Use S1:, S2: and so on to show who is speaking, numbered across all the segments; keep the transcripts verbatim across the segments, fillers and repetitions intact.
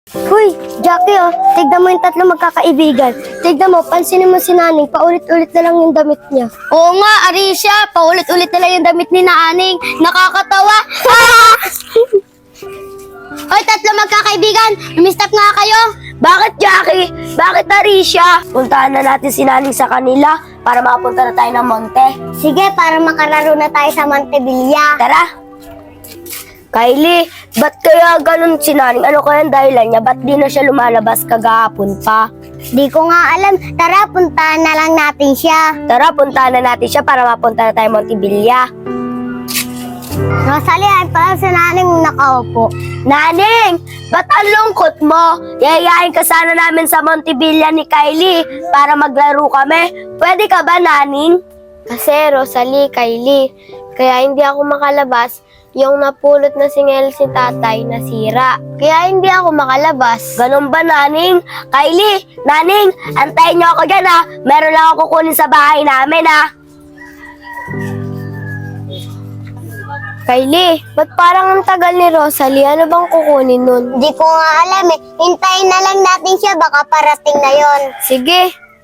S1: Hoy, Jackie oh, tignan mo yung tatlo magkakaibigan. Tignan mo, pansinin mo si Naning, paulit-ulit na lang yung damit niya.
S2: Oo nga, Arisha, paulit-ulit na lang yung damit ni Naaning. Nakakatawa. Ah! Hoy, tatlo magkakaibigan, lumistap nga kayo.
S1: Bakit, Jackie? Bakit, Arisha? Puntahan na natin si Naning sa kanila para makapunta na tayo ng monte.
S2: Sige, para makararo na tayo sa Montevilla.
S1: Tara! Kylie, ba't kaya ganun si Naning? Ano kaya ang dahilan niya? Ba't di na siya lumalabas kagahapon pa?
S2: Di ko nga alam. Tara, puntahan na lang natin siya.
S1: Tara, puntahan na natin siya para mapunta na tayo Montevilla.
S2: Rosalie, ay pala si Naning nakaupo.
S1: Naning, ba't ang lungkot mo? Yayayain ka sana namin sa Montevilla ni Kylie para maglaro kami. Pwede ka ba, Naning? Kasi, Rosalie, Kylie, kaya hindi ako makalabas. Yung napulot na singel si tatay nasira. Kaya hindi ako makalabas. Ganun ba, Naning? Kylie, Naning, antayin niyo ako dyan ha. Meron lang ako kukunin sa bahay namin ha. Kylie, ba't parang ang tagal ni Rosalie? Ano bang kukunin nun?
S2: Di ko nga alam eh. Hintayin na lang natin siya, baka parating na yon.
S1: Sige.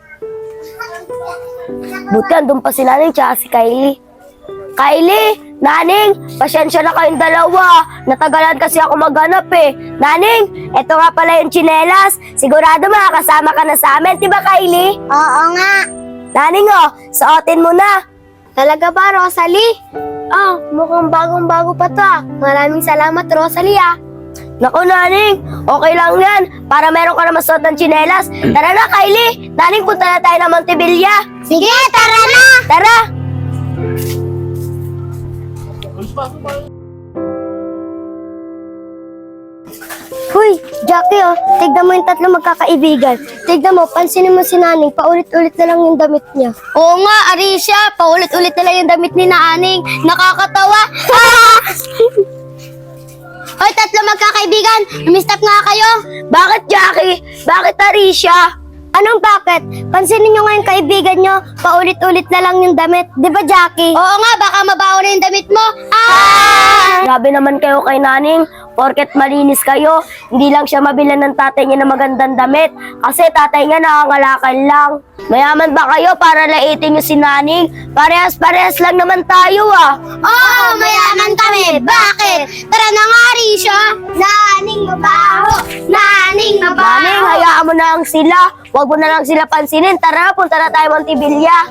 S1: Buti andun pa si Naning tsaka si Kylie. Kylie, Naning, pasensya na kayong dalawa. Natagalan kasi ako maghanap eh. Naning, eto nga pala yung tsinelas. Sigurado makakasama ka na sa amin, diba Kylie?
S2: Oo nga.
S1: Naning oh, suotin mo na.
S2: Talaga ba, Rosalie?
S1: Ah, mukhang bagong-bago pa to ah.
S2: Maraming salamat, Rosalie ah.
S1: Naku, Naning, okay lang yan. Para meron ka na masuot ng tsinelas. Tara na, Kylie. Naning, punta na tayo ng Montevilla.
S2: Sige, tara na!
S1: Tara! Hoy, Jackie oh, tignan mo yung tatlo magkakaibigan. Tignan mo, pansinin mo si Naning, paulit-ulit na lang yung damit niya.
S2: Oo nga, Arisha, paulit-ulit na lang yung damit ni Naaning. Nakakatawa. Ah! Hoy, tatlo magkakaibigan, lumistap nga kayo.
S1: Bakit, Jackie? Bakit, Arisha?
S2: Anong bakit? Pansinin nyo nga yung kaibigan nyo, paulit-ulit na lang yung damit. Di ba, Jackie? Oo nga, baka mabaho na yung damit mo. Ah!
S1: Grabe naman kayo kay Naning. Porket malinis kayo, hindi lang siya mabilan ng tatay niya ng magandang damit. Kasi tatay niya nakangalakan lang. Mayaman ba kayo para laitin niyo si Naning? Parehas-parehas lang naman tayo ah.
S2: Oo, mayaman kami. Bakit? Tara na nga, Arisha. Naning mabaho. Naning mabaho.
S1: Naning, hayaan mo na lang sila. Huwag mo na lang sila pansinin. Tara, punta na tayo Montevilla.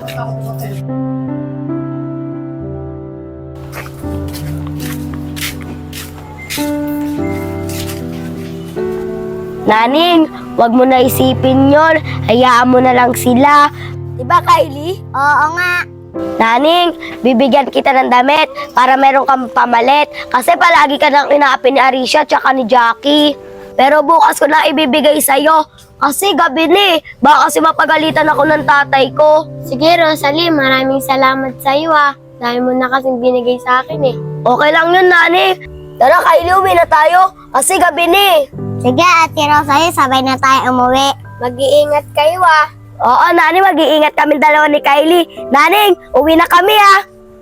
S1: Naning, wag mo na isipin yon. Hayaan mo na lang sila. Diba, Kylie?
S2: Oo nga.
S1: Naning, bibigyan kita ng damit para meron kang pamalit. Kasi palagi ka nang inaapi ni Arisha tsaka ni Jackie. Pero bukas ko na ibibigay sa'yo. Kasi gabi ni, baka kasi mapagalitan ako ng tatay ko.
S2: Sige, Rosalie, maraming salamat sa iyo ah. Dahil mo na kasing binigay sa akin eh.
S1: Okay lang yun, Nani. Tara, Kylie, uwi na tayo. Kasi gabi ni.
S2: Sige, Ate Rosalie, sabay na tayo umuwi. Mag-iingat kayo ah.
S1: Oo, Nani, mag-iingat kami dalawa ni Kylie. Naning, uwi na kami ah.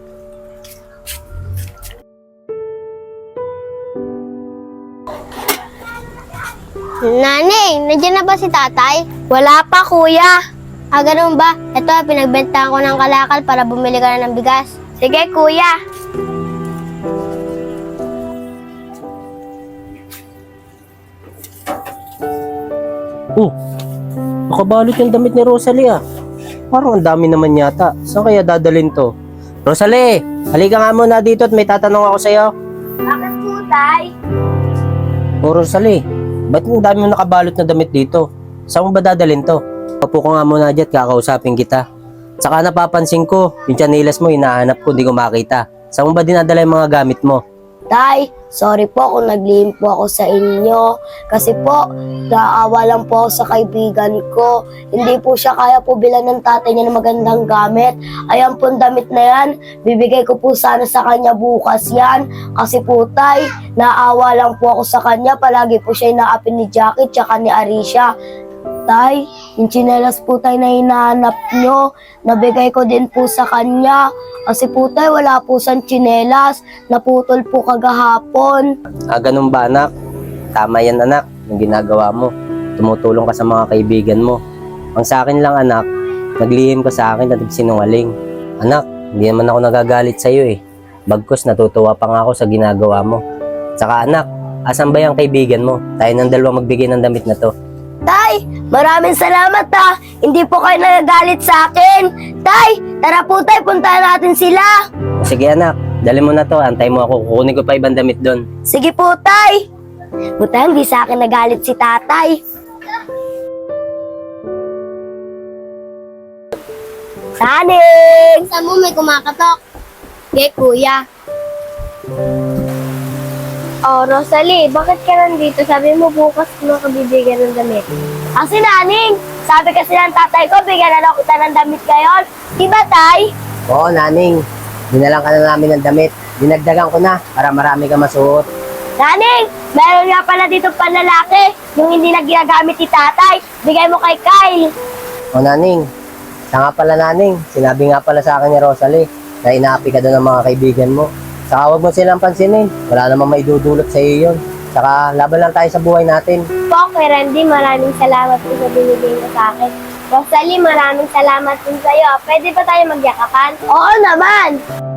S2: Naning, nandiyan na ba si tatay?
S1: Wala pa, kuya.
S2: Ah, ganun ba? Ito, pinagbentahan ko ng kalakal para bumili ka na ng bigas.
S1: Sige, kuya.
S3: Oh, nakabalot yung damit ni Rosalie ah. Parang ang dami naman yata. Saan kaya dadalhin to? Rosalie, halika nga muna dito at may tatanong ako sa'yo.
S1: Bakit po, tay?
S3: Oh, Rosalie, ba't ang dami mo nakabalot na damit dito? Saan mo ba dadalhin to? Papo ko nga muna dyan, kakausapin kita. Saka napapansin ko, yung tsinelas mo, hinahanap ko, hindi ko makita. Saan mo ba dinadala yung mga gamit mo?
S1: Tay, sorry po kung naglihim po ako sa inyo. Kasi po, naawa lang po ako sa kaibigan ko. Hindi po siya kaya po bilan ng tatay niya ng magandang gamit. Ayan po ang damit na yan. Bibigay ko po sana sa kanya bukas yan. Kasi po, tay, naawa lang po ako sa kanya. Palagi po siya inaapin ni Jackie tsaka ni Arisha. Tay, yung tsinelas po tay na hinahanap nyo, nabigay ko din po sa kanya. Kasi po tay, wala po siyang tsinelas, naputol po kagahapon.
S3: Ah, ganun ba anak? Tama yan anak. yung ginagawa mo. Tumutulong ka sa mga kaibigan mo. Ang sa akin lang anak, naglihim ka sa akin at nagsinungaling. Anak, hindi naman ako nagagalit sa iyo eh. Bagkus natutuwa pa nga ako sa ginagawa mo. Saka anak, asan ba yung kaibigan mo? Tayo ng dalawa magbigay ng damit na to.
S1: Tay, maraming salamat ha. Hindi po kayo nagagalit sa akin. Tay, tara po tay, puntahan natin sila.
S3: O sige anak, dali mo na to. Antay mo ako, kukunin ko pa ibang damit doon.
S1: Sige po tay. Buta hindi sa akin nagalit si tatay. Saning!
S2: Sa mo may kumakatok. Kay kuya.
S1: Oh, Rosalie, bakit ka nandito? Sabi mo bukas mo ka bibigyan ng damit. Ang sinaning, sabi kasi ng tatay ko, bigyan na lang kita ng damit ngayon. Diba, tay?
S3: Oo naning, dinalang ka na namin ng damit. Dinagdagan ko na para marami ka masuot.
S1: Naning, meron nga pala dito panlalaki, yung hindi na ginagamit ni tatay. Bigay mo kay Kyle.
S3: O naning, siya nga pala naning, sinabi nga pala sa akin ni Rosalie na inaapi ka doon ng mga kaibigan mo. Saka huwag mo silang pansinin, wala namang may dudulot sa iyo yun. Saka laban lang tayo sa buhay natin.
S2: Po, kay Randy, maraming salamat po sa binigay mo sa akin. Rosalie, maraming salamat din sa'yo. Pwede ba tayo magyakapan?
S1: Oo naman.